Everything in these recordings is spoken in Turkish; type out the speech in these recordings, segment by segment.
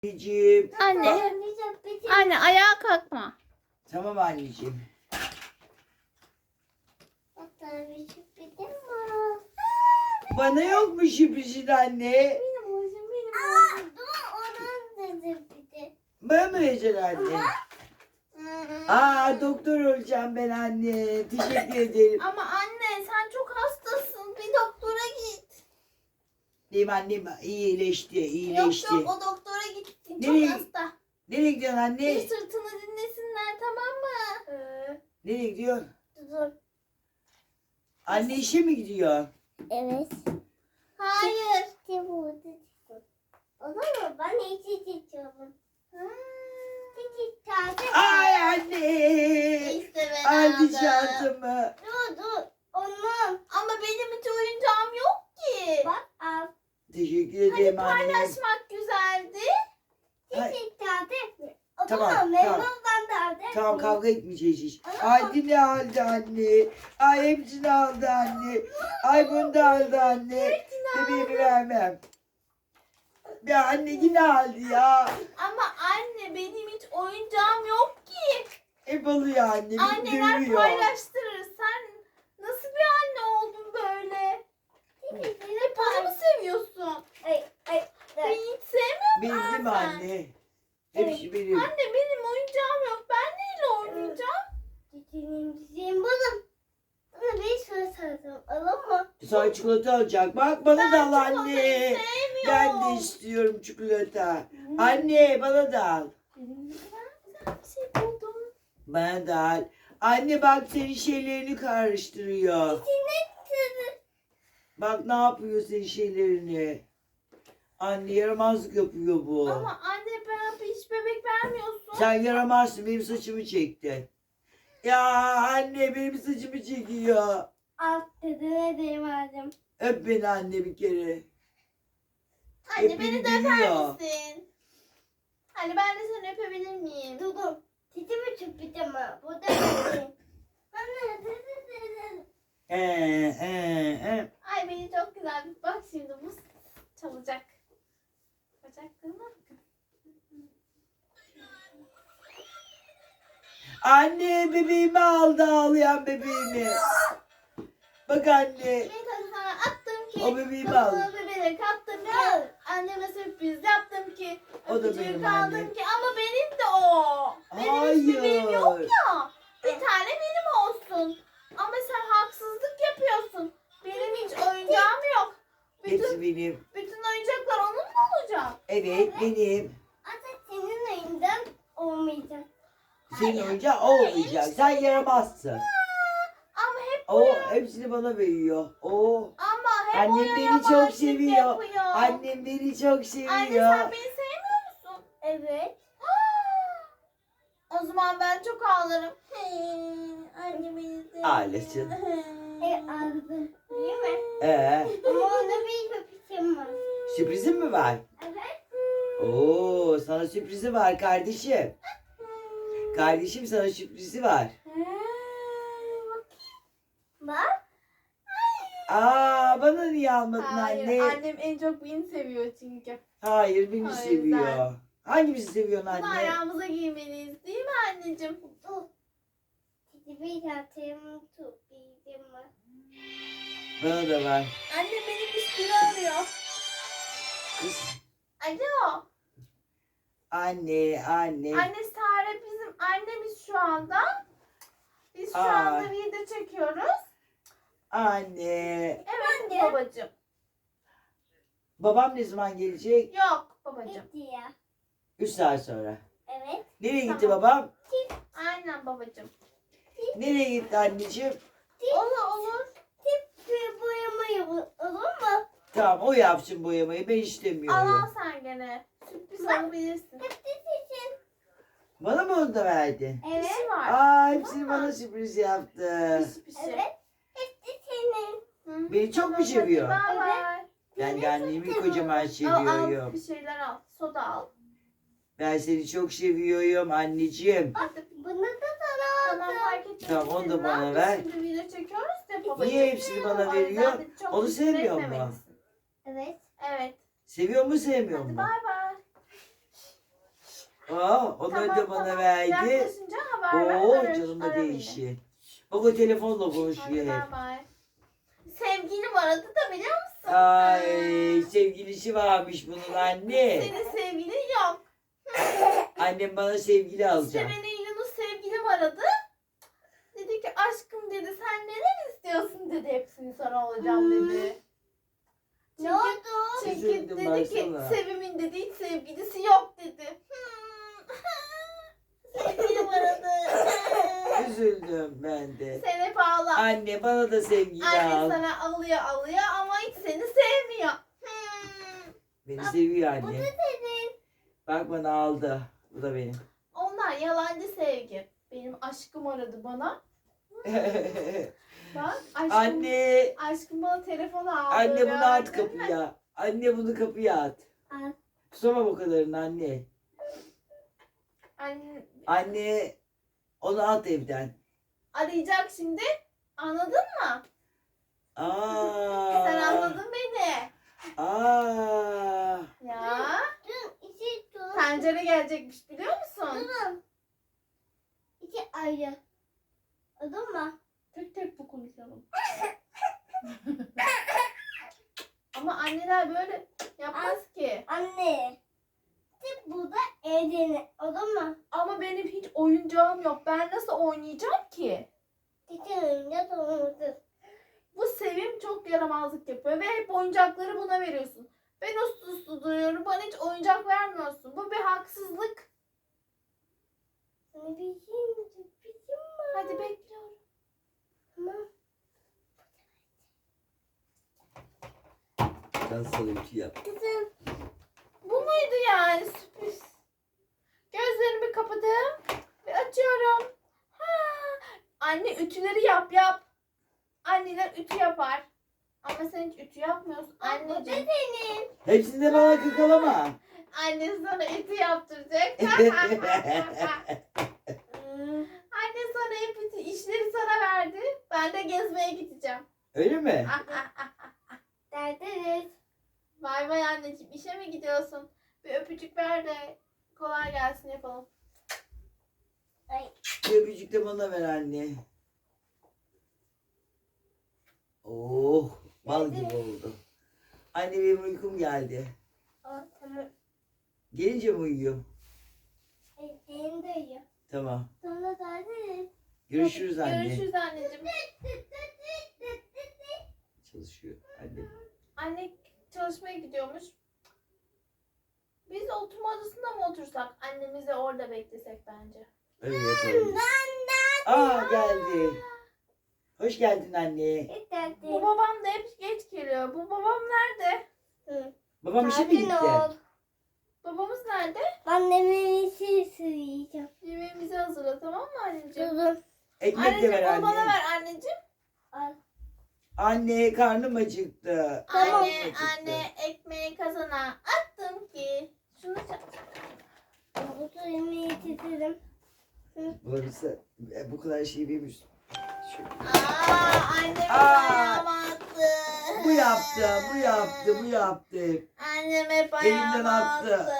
Anneciğim. Anne. Anne ayağa kalkma. Tamam anneciğim. Bana yok mu sürprizin anne? Bana mı vereceksin anne? Doktor olacağım ben anne. Teşekkür ederim. Ama anne sen çok hastasın. Bir doktora git. Benim annem iyileşti. Yok o doktora gitsin. Nereye? Çok hasta. Nereye gidiyorsun Bir anne? sırtını dinlesinler tamam mı? Nereye gidiyorsun? Dur. Anne işe mi gidiyor? Evet. Hayır. İşte burada. Olur mu? Ben içi içiyorum. İçi taze. Ay anne. İşte ben Aldı aldım. çantamı. Dur. Onun. Ama benim hiç oyuncağım yok ki. Bak al. Teşekkür Hadi ederim anne. paylaşmak güzeldi. Ay. İçi taze. O Tamam, zaman tamam. memnundan taze. Tamam kavga etmeyeceğiz hiç. Ay ne aldı anne. Ay hepsini aldı anne. Ay bunu da aldı anne. Bebeğimi vermem. Ya anne yine aldı ya. Ama anne benim hiç oyuncağım yok ki. Hep alıyor anne. Beni Anneler dövüyor. paylaştırır. Sen nasıl bir anne oldun böyle? Hep bana mı seviyorsun? Ay. Beni hiç sevmiyor musun Benim sen? anne. Hepsi benim. Anne benim oyuncağım yok. Ben neyle oynayacağım? Cicim buldum. Bana bir soru sordum. Olur mu? Sana çikolata alacak. Bak bana da al çikolatayı anne. Ben sevmiyorum. de istiyorum çikolata. Anne bana da al. Benim ne kadar güzel bir şey buldum. Bana da al. Anne bak senin şeylerini karıştırıyor. Bak ne yapıyor senin şeylerini. Anne yaramazlık yapıyor bu. Ama anne bana hiç bebek vermiyorsun. Sen yaramazsın, benim saçımı çekti. Ya anne benim saçımı çekiyor. Alt dedene değmedim. Öp beni anne bir kere. Anne hep beni beni de öper dövüyor. misin? Anne ben de seni öpebilir miyim? Dur. Cicimi çöpeceğim ha. Burada benim. Ay beni çok güzel. Bak şimdi bu çalacak. Bacaklarıma bakın. Anne bebeğimi aldı, ağlayan bebeğimi. Bak anne. Bir tane sana attım ki. O bebeğimi kafana al. bebeğe kattım ki. Anneme sürpriz yaptım ki. O da öpücüğü benim kaldım annem. ki. Ama benim de o. Benim hiç bebeğim yok Hayır. ya. Bir tane benim olsun. Ama sen haksızlık yapıyorsun. Benim hiç oyuncağım yok. Hepsi benim. Bütün oyuncaklar onun mu olacak? Evet benim. Hatta senin elinden olmayacak. Senin oyuncağın o olmayacak. Sen yaramazsın. Ama hep O hepsini bana veriyor. O. Ama hep Annem oyun beni çok yabancılık seviyor. yapıyor. Annem beni çok seviyor. Anne sen beni sevmiyor musun? Evet. O zaman ben çok ağlarım. Anne beni sevmiyor. Ağlasın. Aldım. Değil mi? Ee, Ama onda bir köpüşüm var. sürprizin mi var? Evet. Oo, sana sürprizi var kardeşim. Kardeşim sana sürprizi var. Bak. Bana niye almadın Hayır, anne? annem en çok beni seviyor çünkü. Hayır, beni O yüzden. seviyor. Hangimizi seviyorsun Bunu anne? ayağımıza giymeliyiz değil mi anneciğim? Dur. Bir atayım tutayım mı? Bana da var. Annem benim üstümü arıyor. Kız. Alo. Anne. Anne Sare bizim annemiz şu anda. Biz şu Aa. anda video çekiyoruz. Anne. Evet Anne. babacığım. Babam ne zaman gelecek? Yok babacığım. Gitti ya. 3 saat sonra. Evet. Nereye gitti Tamam. babam? Aynen babacığım. Nereye gitti anneciğim? Olur. Tip boyamayı olur mu? Tamam o yapsın boyamayı, ben Al istemiyorum. sen gene. Sürpriz alabilirsin. için. Bana mı onu da verdin? Evet. İşi var. Hepsini bana sürpriz yaptı. Pişi. Evet. Hepsi senin. Hı. Beni çok mu Tamam, seviyor? hadi bay bay. Ben de annemi kocaman Al seviyorum. bir şeyler al. Soda al. Ben seni çok seviyorum anneciğim. Bunu da Tamam fark etmez. Tamam, onu da Biz bana ne ver. yapıyoruz? Şimdi video çekiyoruz ya babacığım. Niye hepsini bana O yüzden veriyor? de çok Onu küfür sevmiyor mu? etmemelisin. Evet. Evet. Seviyor mu sevmiyor Hadi mu? bay bay. Onları da bana verdi. Yaklaşınca haber ver. Oo Ara canıma beni. değişi. Bak o telefonla Hadi konuşuyor hep. bay bay. Sevgilim aradı da biliyor musun? Ay sevgilisi varmış bunun anne. Senin sevgilin yok. Annem bana sevgili İşte alacak. beni Yunus sevgilim aradı. Dedi ki aşkım dedi sen neler istiyorsun dedi, hepsini sana alacağım dedi. Ne oldu? Çünkü Üzüldüm dedi ki baksana. Sevim'in dedi hiç sevgilisi yok dedi. Sevgilim aradı. Üzüldüm ben de. Sen hep ağla. Anne bana da sevgili Anne al. sana alıyor ama hiç seni sevmiyor. Beni seviyor Bu da anne. senin. Bak bana aldı. Bu da benim. Onlar yalancı sevgi. Benim aşkım aradı bana. Bak aşkım. Anne. Aşkım bana telefon aldı. Anne bunu at verdi. kapıya. Anne bunu kapıya at. Al. Tutamam o kadarını anne. Anne Anne onu at evden. arayacak şimdi. Anladın mı? Aa. Sen anladın beni. Aa. Ya. Dün iki tur. Tencere gelecekmiş biliyor musun? Durun. İki ayrı. Anladın mı? Tek tek bu konuşalım. Ama anneler böyle yapmaz ki. Anne. Tek burada evde. Anladın mı? Ama benim hiç oyuncağım yok. Ben nasıl oynayacağım ki? Tek önünde doğrudur. Bu Sevim çok yaramazlık yapıyor ve hep oyuncakları buna veriyorsun. Ben uslu uslu duruyorum. Bana hiç oyuncak vermiyorsun. Bu bir haksızlık. Sana bir şey sürprizim var. Hadi bekliyorum. Tamam. Ben sana bir şey yap. Kızım. Bu muydu yani sürpriz? Gözlerimi kapadım ve açıyorum. Ha. Anne ütüleri yap. Anneler ütü yapar. Ama sen hiç ütü yapmıyorsun Bu da anneciğim. senin. Hepsini de bana kakalama. Anne sana ütü yaptıracak. Hmm. Anne sana hep ütü işleri sana verdi. Ben de gezmeye gideceğim. Öyle mi? Derdiniz. Bay bay anneciğim. İşe mi gidiyorsun? Bir öpücük ver de kolay gelsin yapalım. Ay. Bir öpücük de bana ver anne. Oh, bal gibi oldu. Anne benim uykum geldi. Tamam. Gelince mi uyuyor? Senin de iyi. Tamam. Sonra derdiniz. Görüşürüz anne. Görüşürüz anneciğim. Çalışıyor anne. Anne çalışmaya gidiyormuş. Biz oturma odasında mı otursak? Annemizi orada beklesek bence. Öyle yapalım. Aa geldi. Hoş geldin anne. Bu babam da hep geç geliyor. Bu babam nerede? Babam işe mi gitti? Babamız nerede? Anneme bir şey söyleyeceğim. Yemeğimizi hazırla, tamam mı anneciğim? Durun. Ekmek de ver Anneciğim onu bana anne. ver anneciğim. Al. Anne karnım acıktı. Tamam. Anne, Acıktı. anne ekmeği kazana attım ki. Şunu Bu da yemeği getirdim. Burası bu kadar şey bilmiş. Annem Aa. ayağıma attı. Bu yaptı, bu yaptı, bu yaptı. Annem hep Elimden ayağıma attı. attı.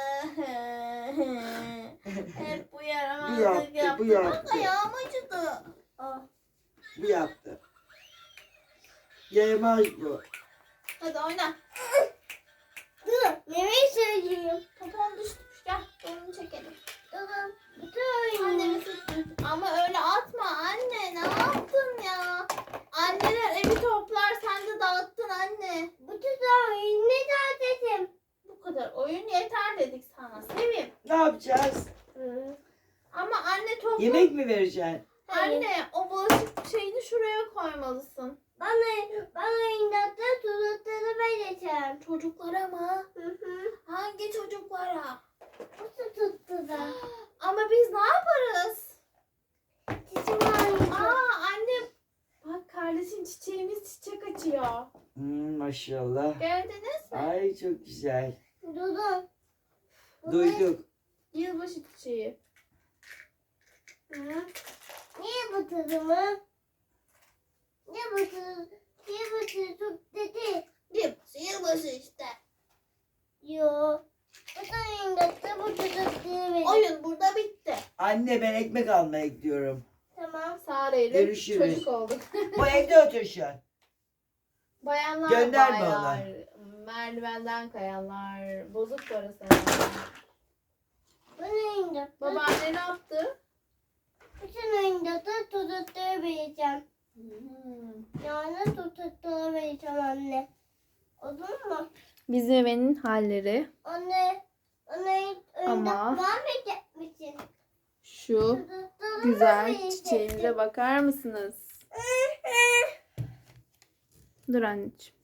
Hep bu Bu yaramazlık yaptı, yaptı. bu yaptı. Bak ayağım acıdı. Bu yaptı. Yaramaz bu. Hadi oyna. Dur. Yemeği söyleyeyim. Popon düşmüş. Gel onu çekelim. Durun. Dur. Annemi süt. Ama öyle atma anne. Ne yaptın ya? Anneler evi toplar. Sen de dağıttın anne. Bu da ne dedim. Bu kadar oyun yeter dedik sana. Sevim. Ne yapacağız? Ama anne topla. Yemek mi vereceksin? Anne o bulaşık şeyini şuraya koymalısın. Bana inatla tutukları vereceğim. Çocuklara mı? Hı. Hangi çocuklara? Bu tuttu da. Ama biz ne yaparız? Çiçeğim almayacağım. Anne. Bak kardeşin çiçeğimiz çiçek açıyor. Maşallah. Gördünüz mü? Ay çok güzel. Durun. Duyduk. Yılbaşı çiçeği. Niye bu tadımı? Niye bu tadı? Niye bu tadı dedi? Yılbaşı işte. Yo. Bu da inatla bu tutukları vereceğim. O Anne ben ekmek almaya gidiyorum. Tamam. Sare ile Görüşürüz. çocuk olduk. Bu evde otur şu an. Bayanlar Gönderme baylar. Merdivenden kayanlar. Bozuk para sayanlar. Bu neydi? Babaanne ne yaptı? Bütün oyunda da tutukları vereceğim. Yani tutukları vereceğim anne. Olur mu? Bizim evin halleri. Anne oyunda Ama- vermeyecek misin? Şu Tutukları güzel vereceksin. çiçeğimize bakar mısınız? Dur anneciğim.